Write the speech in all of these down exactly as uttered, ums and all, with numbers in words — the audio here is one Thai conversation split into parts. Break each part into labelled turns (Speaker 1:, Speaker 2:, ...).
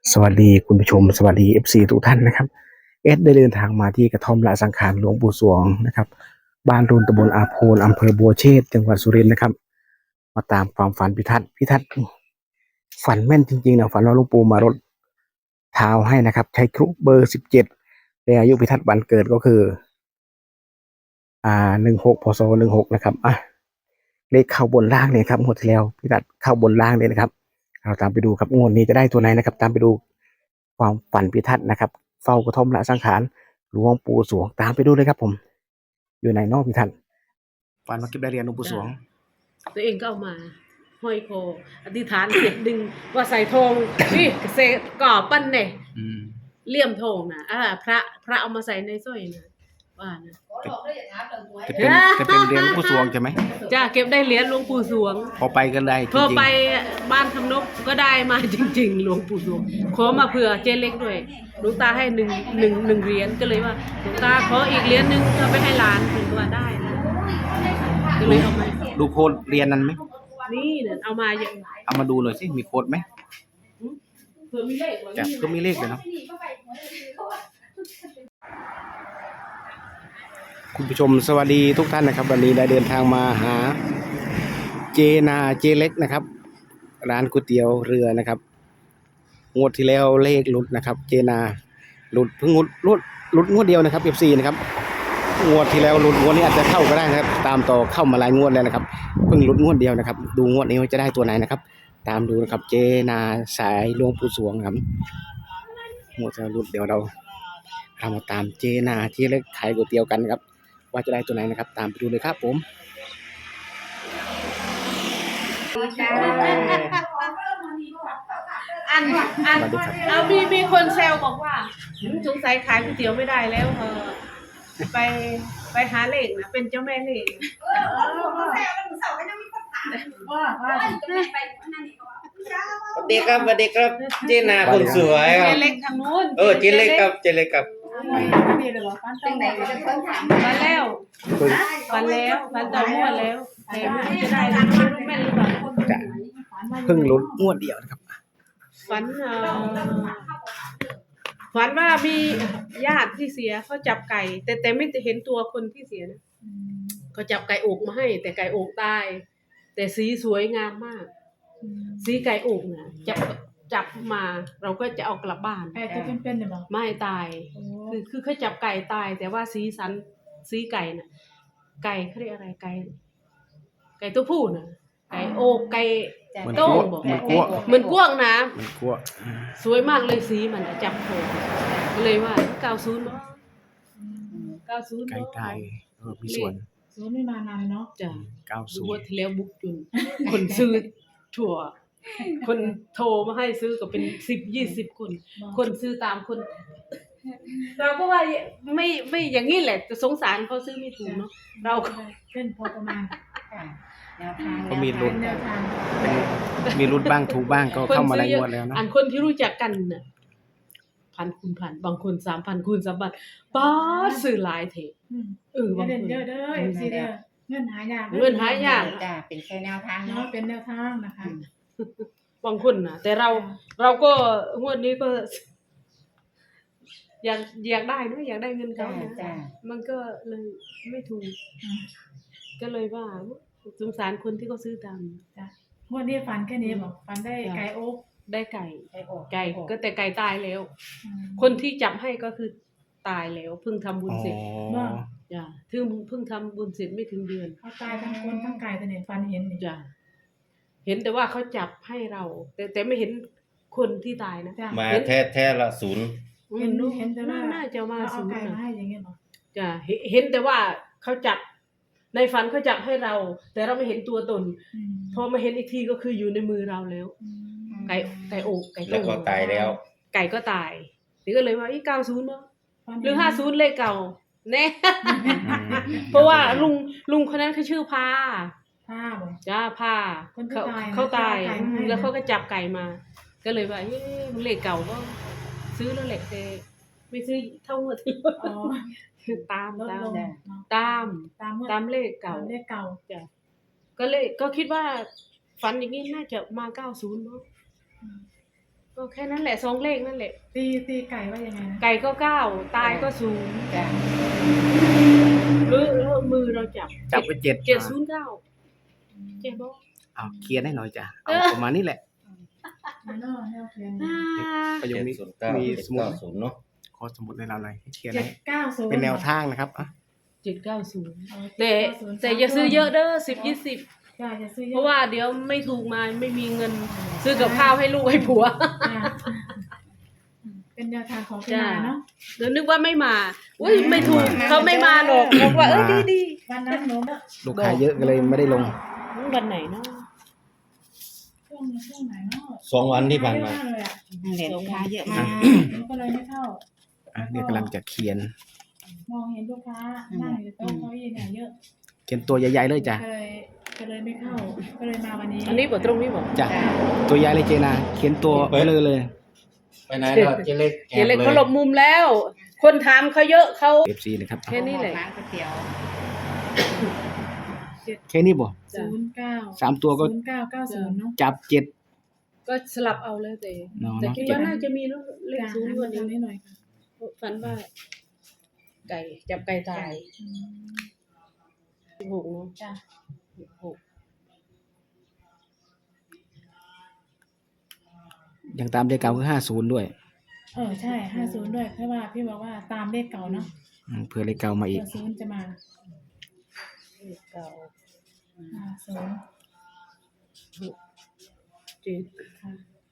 Speaker 1: สวัสดีคุณผู้ชมสวัสดี เอฟ ซี ทุกท่านนะครับเอสได้เดินทางมาที่กระท่อมละสังขารหลวงปู่สวงนะครับบ้านรุนตำบลอาโพนอำเภอบัวเชษจังหวัดสุรินทร์นะครับมาตามความฝันพิทัศน์พิทัศน์ฝันแม่นจริงๆนะฝันว่าหลวงปู่มารดเท้าให้นะครับใช้ครุเบอร์สิบเจ็ดแต่อายุพิทัศน์วันเกิดก็คืออ่าหนึ่งหกพศหนึ่งหกนะครับอ่ะเลขเข้าบนล่างเลยครับงวดที่แล้วพิทัศน์เข้าบนล่างเลยนะครับเราตามไปดูครับงวดนี้จะได้ตัวไหนนะครับตามไปดูความฝันพิทัศน์นะครับเฝ้ากระท่อมละสังขารหลวงปู่สวงตามไปดูเลยครับผมอยู่ในนอกพิทัศน์ฝันว่าเก็บได้เรียนหลวงปู่สวง
Speaker 2: ตัวเองก็เอามาห้อยคออธิษฐานเสร็จดึงว่าใส่ทองนี่เสกก่อปั้นเนี่ยเลี่ยมทองนะอ่าพระพระเอามาใส่ในสร้อยนะว่านะ
Speaker 1: จะเป็นจะเป็นเรียนหลวงปู่สวงใช่ไหม
Speaker 2: จ้าเก็บได้เหรียญหลวงปู่สวง
Speaker 1: พอไปกันได้จ
Speaker 2: พอ
Speaker 1: ริง
Speaker 2: ไปบ้านคำนกก็ได้มาจริงๆหลวงปู่สวงขอมาเผื่อเจเล็กด้วยหลวงตาให้หนึ่งหนึ่งหนึ่งเหรียญก็เลยว่าหลวงตาขออีกเหรียญหนึ่งเอาไปให้หลานถึงว่าได้นะก็เลยเอามา
Speaker 1: ๆดูโค้ดเรียนนั้นไหม
Speaker 2: นี่เนี่ยเอามาอย่าง
Speaker 1: เอามาดูหน่อยสิมีโค้ดไหม
Speaker 2: เผื่อมีเลข
Speaker 1: จ้ะก็มีเลขเลยเนาะคุณผู้ชมสวัสดีทุกท่านนะครับวันนี้ได้เดินทางมาหาเจนาเจเล็กนะครับร้านก๋วยเตี๋ยวเรือนะครับงวดที่แล้วเลขหลุดนะครับเจนาหลุดเพิ่งหลุดหลุดหลุดงวดเดียวนะครับ เอฟ ซี นะครับงวดที่แล้วหลุดงวดนี้อาจจะเข้าก็ได้นะครับตามต่อเข้ามาหลายงวดแล้วนะครับเพิ่งหลุดงวดเดียวนะครับดูงวดนี้ว่าจะได้ตัวไหนนะครับตามดูนะครับเจนาสายหลวงปู่สวงครับงวดจะหลุดเดี๋ยวเราเรามาตามเจนาเจเล็กขายก๋วยเตี๋ยวกันครับว่าจะได้ตัวไหนนะครับตามไปดูเลยครับผม
Speaker 2: อันอันเอามีมีคนแซวบอกว่าสงสัยขายก๋วยเตี๋ยวไม่ได้แล้วเออไปไปหาเลขนะเป็นเจ้าแม่เลขว่าว่า
Speaker 3: สวัสดีครับสวัสดีครับเจนาคนสวยค
Speaker 2: เจ
Speaker 3: รับ
Speaker 2: เล็กทางนู้น
Speaker 3: เออเจเล็กครับเจเล็กครับ
Speaker 2: มาแล้วมาแล้วมาต่องวดแล้วแต่ไม่รู้จะได้ไม่รู้แม่นหรือเปล่า
Speaker 1: จะเพิ่งหลุดงวดเดียวนะครับ
Speaker 2: ฝันเอ่อฝันว่ามีญาติที่เสียเขาจับไก่ แต่แต่ไม่เห็นตัวคนที่เสียนะเขาจับไก่อกมาให้ แต่ไก่อกตาย แต่สีสวยงามมาก สีไก่อกนะจับจับมาเราก็จะเอากลับบ้าน
Speaker 4: ไก่ตัวเป็นๆเนี่ยบอก
Speaker 2: ไม่ตายคือคือเขาจับไก่ตาย แต่ว่าสีสันสีไก่น่ะ ไก่เขาเรียกอะไรไก่ไก่ตัวผู้น่ะไก่โอกไก่
Speaker 1: เหมือน
Speaker 2: โต้
Speaker 1: กลัว
Speaker 2: งบอก
Speaker 1: เหมือนกลัว
Speaker 2: เหมือนกว้างนะ
Speaker 1: เหมือนกลัว
Speaker 2: สวยมากเลยสีมันอะจับโผล่เลยว่าเก้าศูนย์บ่เก้าศูนย์
Speaker 1: ไก่ตายเออมีส่วน
Speaker 4: ศูนย์ไม่มานานเนาะ
Speaker 2: จ้ะ
Speaker 1: เก้าสิบ
Speaker 2: งวดที่แล้วบุกจุนคนซื้อถั่ว คนโทรมาให้ซื้อก็เป็นสิบยี่สิบคน คนซื้อตามคน เราก็ว่าไม่ไม่อย่างนี้แหละจะสงสารเขาซื้อไม่ถูกเนาะเราก็
Speaker 4: เป็นพอประมาณ
Speaker 5: แนวทาง
Speaker 1: ก็มีลุ้น
Speaker 4: แนวทาง
Speaker 1: เป็นมีรุดบ้างถูกบ้างก็เข้ามาหลายงวดแล้วนะ
Speaker 2: อันคนที่รู้จักกันน่ะพันคูณพันบางคนสามพันคูณสามพันป้าดซื้อหลายเท
Speaker 4: อืม
Speaker 2: เออบาง
Speaker 4: เด่น
Speaker 2: คน
Speaker 4: เยอะเด้อสิเด้อเงินหายาก
Speaker 2: เงินหายาก
Speaker 5: จ้าเป็นแค่แนวทาง
Speaker 4: เนาะ
Speaker 5: เนาะ
Speaker 4: เป็นแนวทางนะคะ
Speaker 2: บางคนนะแต่เราเราก็งวดนี้ก็ อยากอยากได้เนอะอยากได้เงิน
Speaker 5: จ้า
Speaker 2: เขานะ
Speaker 5: จ้า
Speaker 2: มันก็เลยไม่ถูก ก็เลยว่าสงสารคนที่เขาซื้อตาม
Speaker 4: จ้ะงวดนี้ฝันแค่นี้บอกฝันได้ไก่โอ๊ก
Speaker 2: ได้ไก่
Speaker 5: ไก่อก
Speaker 2: ไก่ก็แต่ไก่ตายแล้ว
Speaker 4: อืม
Speaker 2: คนที่จับให้ก็คือตายแล้วเพิ่งทำบุญ
Speaker 1: อ๋อ
Speaker 2: เสร็จจ้ะเพิ่งเพิ่งทำบุญเสร็จไม่ถึงเดือน
Speaker 4: เขาตายทั้งคนทั้งไก่แต่เนี่ยฝันเห็นนี่
Speaker 2: จ้ะเห็นแต่ว่าเขาจับให้เรา แต่แต่ไม่เห็นคนที่ตายนะ
Speaker 4: จ้ะ
Speaker 3: มาแท้แท้ละศูนย์
Speaker 2: อืม
Speaker 4: เห็นเห็นแต่ว่า
Speaker 2: น่าจะมา
Speaker 4: เขาเอา
Speaker 2: ศูน
Speaker 4: ไก่
Speaker 2: ย์
Speaker 4: มา
Speaker 2: นะ
Speaker 4: ให้อย่างเงี้ยเหรอ
Speaker 2: จ้ะเห็นเห็นแต่ว่าเขาจับในฝันเขาจับให้เรา แต่เราไม่เห็นตัวตน
Speaker 4: อืม
Speaker 2: พอมาเห็นอีกทีก็คืออยู่ในมือเราแล้ว
Speaker 4: อืม
Speaker 2: ไก่ไก่อกไก่
Speaker 3: แล้วก็ตายแล้ว
Speaker 2: ไก่ก็ตายนี่ก็เลยว่าอีเก้าศูนย์เนาะ
Speaker 4: ฝัน
Speaker 2: ห
Speaker 4: เน
Speaker 2: รือห้าศูนย์เลขเก่าแน่ เพราะว่าลุงลุงคนนั้นเขาชื่อพา
Speaker 4: ผ้าบอก
Speaker 2: จ้าพา
Speaker 4: คนที่
Speaker 2: เขา
Speaker 4: ตายนะ
Speaker 2: เขาตาย
Speaker 4: ที่เอาไก่มาให้
Speaker 2: แล้วเขาก็จับไก่มา ก็เลยว่าเอ๊ะเลขเก่าก็ซื้อแล้วแหละแต่ไม่ซื้อเท่าเมื่อที่
Speaker 4: อ๋อ
Speaker 2: ตาม
Speaker 4: ลด
Speaker 2: ตาม
Speaker 4: ลงเนาะ
Speaker 2: ตาม
Speaker 4: ตามเมื่อ
Speaker 2: ตามเลขเก่า
Speaker 4: ตามเลขเก่า
Speaker 2: จ้ะก็เลยก็คิดว่าฝันอย่างนี้น่าจะมาเก้าศูนย์เนาะก็แค่นั้นแหละสองเลขนั่นแหละ
Speaker 4: ตีตีไก่ว่ายังไงนะ
Speaker 2: ไก่ก็เก้าตายก็ศูนย์
Speaker 5: จ้ะ
Speaker 2: หรือหรือมือเราจับ
Speaker 1: จับไปเจ็ด
Speaker 2: เจ็ดศูนย์เก้าเจ็ดบอก
Speaker 1: เอาเคลียร์ให้หน่อยจ้ะเอา
Speaker 2: เออ
Speaker 1: ประมาณนี้แหละ
Speaker 4: มันนอกแนวเขียน
Speaker 2: อ่า
Speaker 1: ประโยค
Speaker 3: เจ็ด
Speaker 1: นี้
Speaker 3: ศูนย์เก้า
Speaker 1: มี
Speaker 3: เจ็ด
Speaker 1: สมุด
Speaker 3: เก้า
Speaker 1: ไหม
Speaker 3: ศูนย์เนาะ
Speaker 1: ขอสมุดในเราหน่อยให้เคลียร์
Speaker 4: เจ็
Speaker 1: ให้
Speaker 4: ดเก้าศูนย์
Speaker 1: เป็นแนวทางนะครับอ่ะ
Speaker 2: เจ็ดเก้าศูนย์
Speaker 4: อ๋อ
Speaker 2: แต่
Speaker 4: เจ็ดเก้าศูนย์
Speaker 2: แต่อย่าซื้อเยอะเด้อสิบยี่สิบ
Speaker 4: จ้ะอย่าซื้อเยอะ
Speaker 2: เพราะว่าเดี๋ยวไม่ถูกมาไม่มีเงิน ซื้อกับข้าวให้ลูกให้ผัว
Speaker 4: จ้ะเป็นแนวทางของพี่นาเนาะ
Speaker 2: เดี๋ยวนึกว่าไม่มาอุ้ยไม่ถูกเขาไม่มาหรอกบอกว่าเออดีดี
Speaker 4: วันนั้นหนูเนาะ
Speaker 1: ลูกค้าเยอะก็เลยไม่ได้ลง
Speaker 2: ๆวันไหนเนาะ
Speaker 4: ช่วงช่วงไหนเนาะ
Speaker 3: สองวันที่ผ่านมา
Speaker 4: เยอะกเลยอ่ะ
Speaker 5: เหรียญลูกค้าเยอะมาก
Speaker 4: หนูก็เลยไม่เข้า
Speaker 1: อ่ะเนี่ยกำลังจะเขียน
Speaker 4: มองเห็นลูกค้านั่งอยู่โต๊ะเก้าอี้เนี่ยเยอะ
Speaker 1: เขียนตัวใหญ่ๆเลยจ้ะ
Speaker 4: ก็เลยก็เลยไม่เข้า ก็เลยมาวันนี้
Speaker 2: อันนี้บอกตรงนี้บอก
Speaker 1: จ้ะตัวใหญ่เลยเจนาเขียนตัวไปเลยเลย
Speaker 3: ไปไหนแล้วเจเล็กแอ
Speaker 2: เดี๋ยว
Speaker 3: บ
Speaker 2: เล็ก
Speaker 3: เลย
Speaker 2: เขาหลบมุมแล้ว คนถามเขาเยอะเขา
Speaker 1: เอฟซีนะครับ
Speaker 2: แค่นี้แหละ
Speaker 5: ร้านก๋วยเตี๋ยว
Speaker 1: แค่นี้บ่
Speaker 4: ศูนย์เก้า
Speaker 1: สามตัวก็
Speaker 4: ศูนย์เก้าเก้าศูนย์เนาะ
Speaker 1: จับเจ็ด
Speaker 2: ก็สลับเอาเลยแต่
Speaker 1: เนาะ
Speaker 2: แต่คิดว่าน่าจะมีเลข
Speaker 4: จ้ะ
Speaker 2: ศูนย์
Speaker 4: ให้
Speaker 2: ก
Speaker 4: มา
Speaker 2: ว่า
Speaker 4: ทำ
Speaker 2: นี้
Speaker 4: ให้หน่อยค่ะ
Speaker 2: ฝันว่า ไก่จับไก่ตาย
Speaker 4: อืม
Speaker 2: สิบหกเนาะ
Speaker 4: จ้ะ
Speaker 2: สิบหก
Speaker 1: อย่างตามเลขเก่าคือห้าศูนย์ด้วย
Speaker 4: เออใช่ห้าศูนย์ด้วยเพราะว่าพี่บอกว่าตามเลขเก่าเนาะ
Speaker 1: อืมเพื่อเลขเก่ามาอี
Speaker 4: เผื่
Speaker 1: ก
Speaker 4: อศูนย์จะมา
Speaker 2: เลขเก้า
Speaker 4: ห้าศูนย์
Speaker 2: เจ็ด
Speaker 4: ค่ะ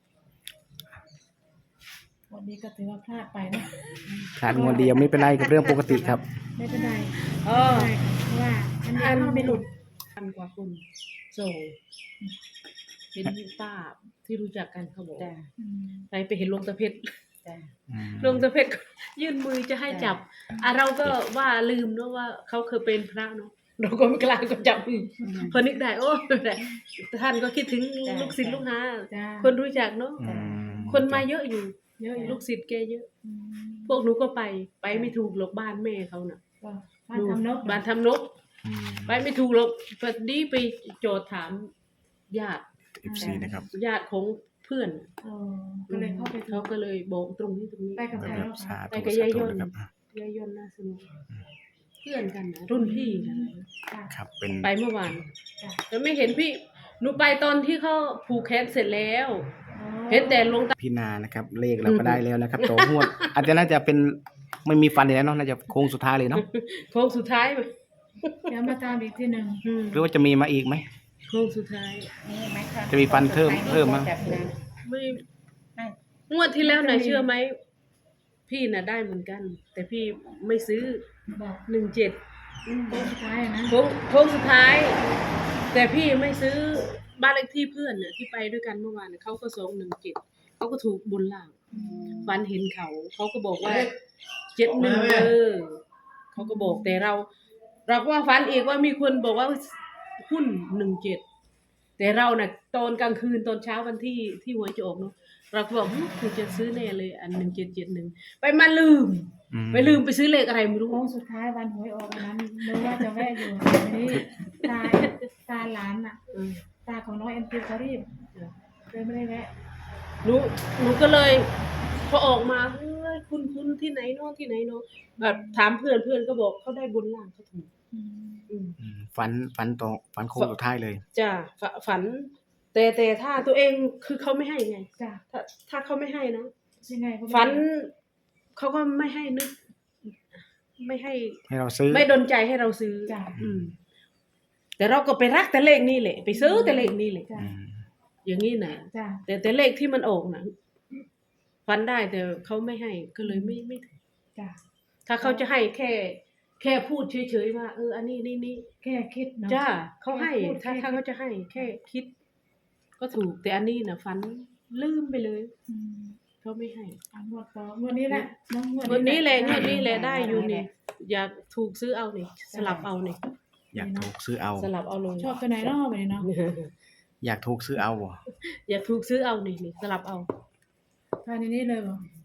Speaker 4: วันนี้ก็ถือว่าพลาดไปเนาะ
Speaker 1: ขาดงวดเดียวไม่เป็นไรกับเรื่องปกติครับ
Speaker 4: ไม่เป็นไร
Speaker 2: อ๋อ
Speaker 4: ไม่เป็นไรค่ะเพราะว่าอันนี้เข้าไม่หลุด
Speaker 2: พันกว่าคนส่งเห็นป้าที่รู้จักกันเขาบอก
Speaker 5: จ้ะ
Speaker 4: อืม
Speaker 2: ไปไปเห็นลงตะเพชร
Speaker 5: จ้ะ
Speaker 2: ลงตะเพชรก็ยื่นมือจะให้จับอ่ะเราก็ว่าลืมเนาะว่าเขาเคยเป็นพระเนาะเราก็ไม่กล้าก็จับมือพอนึกได้โอ้ไม่เป็นไรท่านก็คิดถึงลูกศิษย์ลูกหา
Speaker 4: จ้า
Speaker 2: คนรู้จักเนาะ
Speaker 1: อืม
Speaker 2: คนมาเยอะอยู่
Speaker 4: เยอะอยู่
Speaker 2: ลูกศิษย์แกเยอะ
Speaker 4: อืม
Speaker 2: พวกหนูก็ไป ไปไม่ถูกหรอกบ้านแม่เขาน่ะ
Speaker 4: ก็บ้านทำนก
Speaker 2: บ้านทำนก
Speaker 1: อืม
Speaker 2: ไปไม่ถูกหรอกพอดีไปโจทย์ถามญาติ
Speaker 1: เอฟซีนะครับ
Speaker 2: ญาติของเพื่อน
Speaker 4: เออก็เลยเข้าไปถู
Speaker 2: เขา
Speaker 4: ก
Speaker 2: ก็เลยบอกตรงนี้ตรงนี้
Speaker 4: ไปกับใคร
Speaker 1: แบบ
Speaker 4: แล้ว
Speaker 1: สา
Speaker 4: คะ
Speaker 1: ธุ
Speaker 2: ไปกับ
Speaker 1: สาย
Speaker 2: ายย
Speaker 1: ธุ
Speaker 2: น
Speaker 1: นะครับ
Speaker 2: ยายยนน่าสนุกเพื่อนกันนะรุ่นพี่นะ
Speaker 4: ค่ะ
Speaker 1: ครับเป็น
Speaker 2: ไปเมื่อวาน
Speaker 4: จ้ะ
Speaker 2: แต่ไม่เห็นพี่หนูไปตอนที่เขาผูกแขนเสร็จแล้ว
Speaker 4: อ๋อ
Speaker 2: เห็นแต่หลวงตา
Speaker 1: พี่นานะครับ เลขเราก็ได้แล้วนะครับตัวงวด อาจจะน่าจะเป็นไม่มีฟันอีกแล้วเนาะน่าจะโค้งสุดท้ายเลยเนาะ
Speaker 2: โค้งสุดท้าย
Speaker 4: เดี๋ยวมาตามอีกทีหนึ่ง
Speaker 2: อืม
Speaker 1: หรือว่าจะมีมาอีกไหม
Speaker 2: โค้งสุดท้าย
Speaker 5: นี่ไหมคะ
Speaker 1: จะมีฟันเพิ่มเพิ่มมั้ย
Speaker 5: จากนั้น
Speaker 2: ไม่
Speaker 5: ไม่
Speaker 2: งวดที่แล้วน่ะเชื่อไหมพี่น่ะได้เหมือนกัน แต่พี่ไม่ซื้อ
Speaker 4: บอก
Speaker 2: หนึ่งเจ็ด
Speaker 4: โค้งสุดท้ายอะนะ
Speaker 2: โค้งโค้งสุดท้าย แต่พี่ไม่ซื้อบ้านเลขที่เพื่อนน่ะที่ไปด้วยกันเมื่อวานน่ะเขาก็สองหนึ่งเจ็ดเขาก็ถูกบนล่าง ฝันเห็นเขาเขาก็บอกว่าเจ็ดหนึ่งเออเขาก็บอกแต่เรา เราก็ว่าฝันอีกว่ามีคนบอกว่าหุ้นหนึ่งเจ็ดแต่เราน่ะตอนกลางคืนตอนเช้าวันที่ที่หวยจะออกเนาะเราก็บอกหึคุณจะซื้อแน่เลย อันหนึ่งเจ็ดเจ็ดหนึ่งไปมาลืม
Speaker 1: อืม
Speaker 2: ไปลืมไปซื้อเลขอะไรไม่รู้
Speaker 4: โค้งสุดท้ายวันหวยออกวันนั้นนึกว่าจะแวะอยู่วันนี้ตาตาหลานอ่ะ
Speaker 2: เออ
Speaker 4: ตาของน้องเอ็มพีเขารีบเลยไม่ได้แวะ
Speaker 2: หนูหนูก็เลย พอออกมาเฮ้ยคุณคุณที่ไหนเนาะที่ไหนเนาะแบบถามเพื่อนเพื่อนก็บอกเขาได้บนล่างเขาถูก
Speaker 4: อืม
Speaker 2: อืม
Speaker 1: อืมฝันฝันตรงฝันโค้งสุดท้ายเลย
Speaker 2: จ้ะฝฝัน แต่แต่ถ้าตัวเองคือเขาไม่ให้ไง
Speaker 4: จ้ะ
Speaker 2: ถ้าถ้าเขาไม่ให้นะ
Speaker 4: ยังไงก็ไม่
Speaker 2: ฝันเขาก็ไม่ให้นึก ไม่ให้
Speaker 1: ให้เราซื้อ
Speaker 2: ไม่ดนใจให้เราซื้อ
Speaker 4: จ้ะ
Speaker 2: อืม แต่เราก็ไปรักแต่เลขนี่แหละ ไปซื้อแต่เลขนี่แหละ
Speaker 4: จ้ะ
Speaker 1: อืม
Speaker 2: อย่างนี้นะ
Speaker 4: จ้ะ
Speaker 2: แต่แต่เลขที่มันออกนะฝันได้แต่เขาไม่ให้ก็เลยไม่ไม่ถึง
Speaker 4: จ้ะ
Speaker 2: ถ้าเขาจะให้แค่ แค่พูดเฉยๆว่าเอออันนี้นี่นี่
Speaker 4: แค่คิดเนาะ
Speaker 2: จ้าเขาให้
Speaker 4: แค่พูด
Speaker 2: ถ้า
Speaker 4: แค่
Speaker 2: ถ้าเขาจะให้ แค่คิด ก็ถูก แต่อันนี้นะฝันลืมไปเลย
Speaker 4: อืม
Speaker 2: เขาไม่ให้
Speaker 4: อ่ะงวดต่องวดนี้แหละเนาะ
Speaker 2: วันนี้แหละง
Speaker 4: ได้
Speaker 2: วดนี้แหละได้อยู่นี่ อยากถูกซื้อเอานี่สลับเอานี่
Speaker 1: อยากถูกซื้อเอา
Speaker 2: สลับเอาเลย
Speaker 4: ชอบตัวไหนเนาะไปเนาะ
Speaker 1: อยากถูกซื้อเอาบ่
Speaker 2: อยากถูกซื้อเอานี่นี่สลับเอา
Speaker 4: ภายในนี้เลยบ่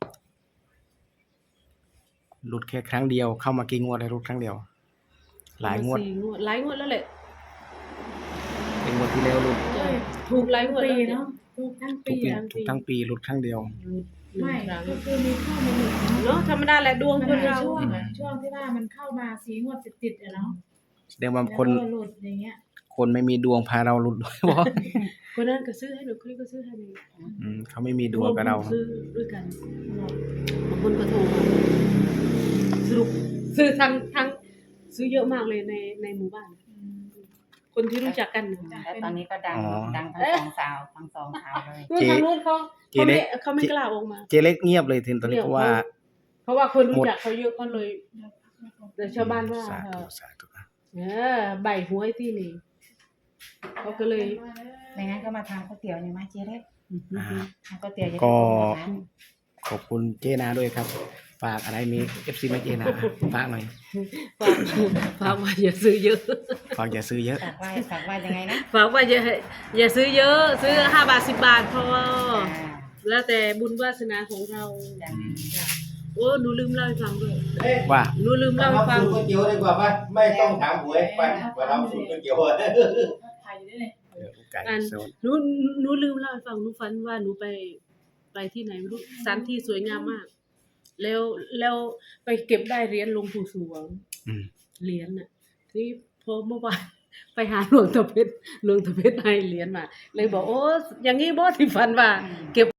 Speaker 1: หลุดแค่ครั้งเดียวเข้ามากี่งวดเลยหลุดครั้งเดียว หลายงวด
Speaker 2: สี่งวดหลายงวดแล้วแหละ
Speaker 1: เป็นงวดที่แล้วหลุด
Speaker 2: ถูกหลายงวด
Speaker 4: ปี
Speaker 2: แล้ว
Speaker 4: เนาะถูกทั้ง
Speaker 1: ทุ
Speaker 4: ปี
Speaker 1: กปี
Speaker 4: อะ
Speaker 1: ทุกทั้งปีหลุดครั้งเดียว
Speaker 4: ไม่
Speaker 2: ครั้ง
Speaker 4: ก็คือมีเข้ามาหนึ่ง
Speaker 2: เนาะธรรมดาแหละดวง
Speaker 4: มัน
Speaker 2: คน
Speaker 4: เป็น
Speaker 2: เรา
Speaker 4: ช่วงอะช่วงที่ว่ามันเข้ามาสีงวดติดๆอะเนาะ
Speaker 1: แสดงว่า
Speaker 4: แล้ว
Speaker 1: คน
Speaker 4: ก็หลุดอย่างเงี้ย
Speaker 1: คนไม่มีดวงพาเราหลุดด้วยบ่
Speaker 2: คนนั้นก็ซื้อให้หนูคนนี้ก็ซื้อให้หนู
Speaker 1: อืมเขาไม่มีดวงกับเรา
Speaker 2: ซื้อด้วยกันบางคนก็โทรมาสรุปซื้อทั้งทั้งซื้อเยอะมากเลยในในหมู่บ้าน คนที่รู้จักกันนะ
Speaker 5: แล้วตอนนี้ก็ดัง
Speaker 1: อ๋อ
Speaker 5: ดังทั้งสองสาวทั้งสองสาวเลย
Speaker 2: นู่นทางนู้นเขา
Speaker 1: เจ
Speaker 2: เขา
Speaker 1: เล็
Speaker 2: ไม่
Speaker 1: ก
Speaker 2: เขาไม่กล้าออกมา
Speaker 1: เจเล็กเงียบเลยทีนตอนนี้เพราะว่า
Speaker 2: เพราะว่าคนรู้จักเขาเยอะก็เลยแต่ชาวบ้านว่า
Speaker 1: สา
Speaker 2: เอ
Speaker 1: ธุ
Speaker 2: อ
Speaker 1: สาธุ
Speaker 2: เออใบหวยที่นี่เขาก็เลย
Speaker 5: ไม่งั้นก็มาทำก๋วยเตี๋ยวนี่มาเจ๊เล็ก
Speaker 1: อ่า
Speaker 5: ทำก๋วยเตี๋ยวจะ
Speaker 1: ก็
Speaker 5: ได้โปรโมทนะ
Speaker 1: ขอบคุณเจนาด้วยครับ ฝากอะไรมี เอฟ ซี มาเจนาฝากหน่อย
Speaker 2: ฝากฝากว่าอย่าซื้อเยอะ
Speaker 1: ฝากอย่าซื้อเยอะ
Speaker 5: ฝากว่าฝากว่ายังไงนะ
Speaker 2: ฝากว่าอย่าอย่าซื้อเยอะ ซื้อห้าบาทสิบบาทพอ
Speaker 5: อ่า
Speaker 2: แล้วแต่บุญวาสนาของเรา
Speaker 5: จ้ะ
Speaker 2: โอ้หนูลืมเล่าให้ฟังด้วย
Speaker 1: ว่า
Speaker 2: หนูลืมเล่าให้ฟัง
Speaker 3: สูตรก๋วยเตี๋ยวดีกว่าป่ะไม่ต้องถามหวยไปไปทำสูตรก๋วยเตี๋ยวเลย
Speaker 4: ถ่ายอยู่ด้วยเลย
Speaker 1: เออไก่
Speaker 2: อัน
Speaker 1: โซน
Speaker 2: หนูหนูลืมเล่าให้ฟังหนูฝันว่าหนูไปไปที่ไหนไม่รู้สถานที่สวยงามมาก แล้วแล้วไปเก็บได้เหรียญหลวงปู่สวง
Speaker 1: อืม
Speaker 2: เหรียญน่ะที่พอเมื่อวานไปหาหลวงตาเพชรหลวงตาเพชรให้เหรียญมา เลยบอกโอ้อย่างงี้บ่ที่ฝันว่า เก็บ